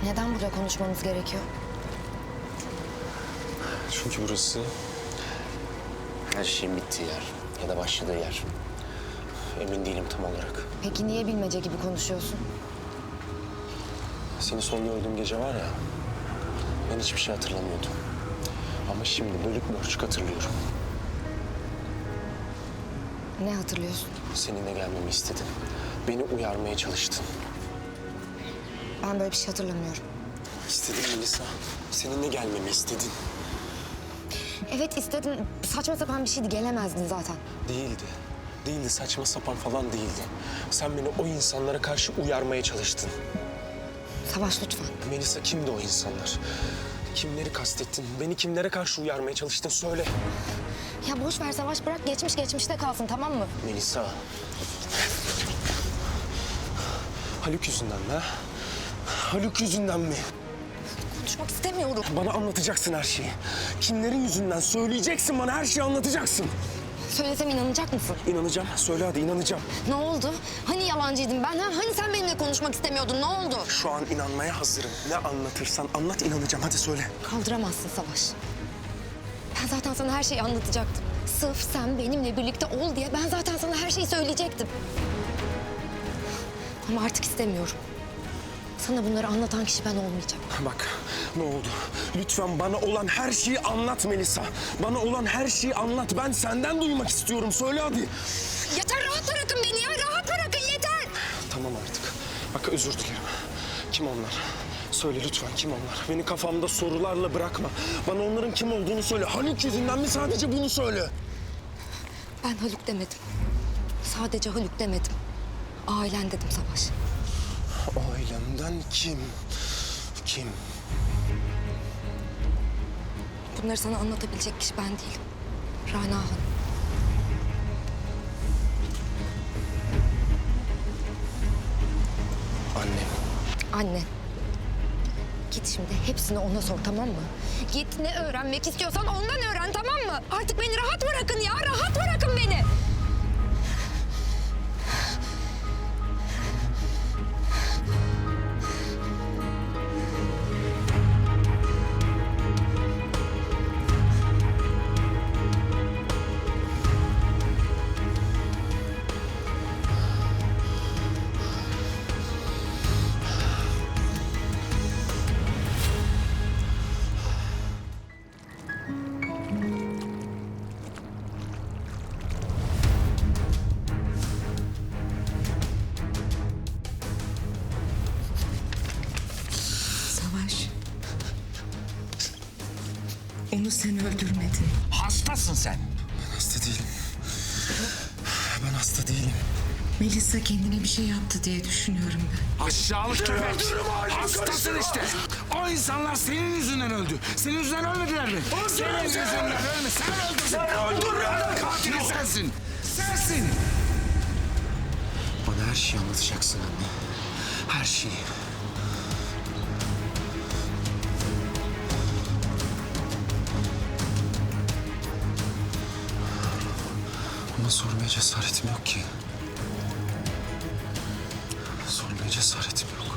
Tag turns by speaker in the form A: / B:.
A: Neden burada konuşmamız gerekiyor?
B: Çünkü burası her şeyin bittiği yer ya da başladığı yer. Emin değilim tam olarak.
A: Peki niye bilmece gibi konuşuyorsun?
B: Seni son gördüğüm gece var ya, ben hiçbir şey hatırlamıyordum. Ama şimdi bölük pörçük hatırlıyorum.
A: Ne hatırlıyorsun?
B: Seninle gelmemi istedin. Beni uyarmaya çalıştın.
A: Ben böyle bir şey hatırlamıyorum.
B: İstedin Melisa. Seninle gelmemi istedin.
A: Evet istedim. Saçma sapan bir şeydi. Gelemezdin zaten.
B: Değildi. Değildi, saçma sapan falan değildi. Sen beni o insanlara karşı uyarmaya çalıştın.
A: Savaş lütfen.
B: Melisa, kimdi o insanlar? Kimleri kastettin? Beni kimlere karşı uyarmaya çalıştın? Söyle.
A: Ya boş ver Savaş, bırak geçmiş geçmişte kalsın, tamam mı?
B: Melisa. Haluk yüzünden mi ha? Haluk yüzünden mi?
A: Konuşmak istemiyorum.
B: Bana anlatacaksın her şeyi. Kimlerin yüzünden söyleyeceksin, bana her şeyi anlatacaksın.
A: Söylesem inanacak mısın?
B: İnanacağım. Söyle hadi, inanacağım.
A: Ne oldu? Hani yalancıydım ben? Hani sen benimle konuşmak istemiyordun? Ne oldu?
B: Şu an inanmaya hazırım. Ne anlatırsan anlat, inanacağım. Hadi söyle.
A: Kaldıramazsın Savaş. Ben zaten sana her şeyi anlatacaktım. Sırf sen benimle birlikte ol diye ben zaten sana her şeyi söyleyecektim. Ama artık istemiyorum. Sana bunları anlatan kişi ben olmayacağım.
B: Bak, ne oldu? Lütfen bana olan her şeyi anlat Melisa. Bana olan her şeyi anlat. Ben senden duymak istiyorum. Söyle hadi.
A: Yeter, rahat bırakın beni ya. Rahat bırakın, yeter.
B: Tamam artık. Bak, özür dilerim. Kim onlar? Söyle lütfen, kim onlar? Beni kafamda sorularla bırakma. Bana onların kim olduğunu söyle. Haluk yüzünden mi, sadece bunu söyle.
A: Ben Haluk demedim. Sadece Haluk demedim. Ailen dedim Savaş.
B: Ailemden kim? Kim?
A: Bunları sana anlatabilecek kişi ben değilim. Rana Hanım.
B: Annem.
A: Anne. Git şimdi hepsini ona sor, tamam mı? Git ne öğrenmek istiyorsan ondan öğren, tamam mı? Artık beni rahat bırakın ya, rahat bırakın beni.
C: Savaş. Onu sen öldürmedin.
D: Hastasın sen.
B: Ben hasta değilim. Ben hasta değilim.
C: Melisa kendine bir şey yaptı diye düşünüyorum ben.
D: Aşağılık köpek. Hastasın işte. O insanlar senin yüzünden öldü. Senin yüzünden ölmediler mi? Senin yüzünden ölme. Sen öldürdün. Sen öldürdün. Katili sensin. Sensin.
B: Bana her şeyi anlatacaksın anne. Her şeyi. Ama sormaya cesaretim yok ki. Sormaya cesaretim yok.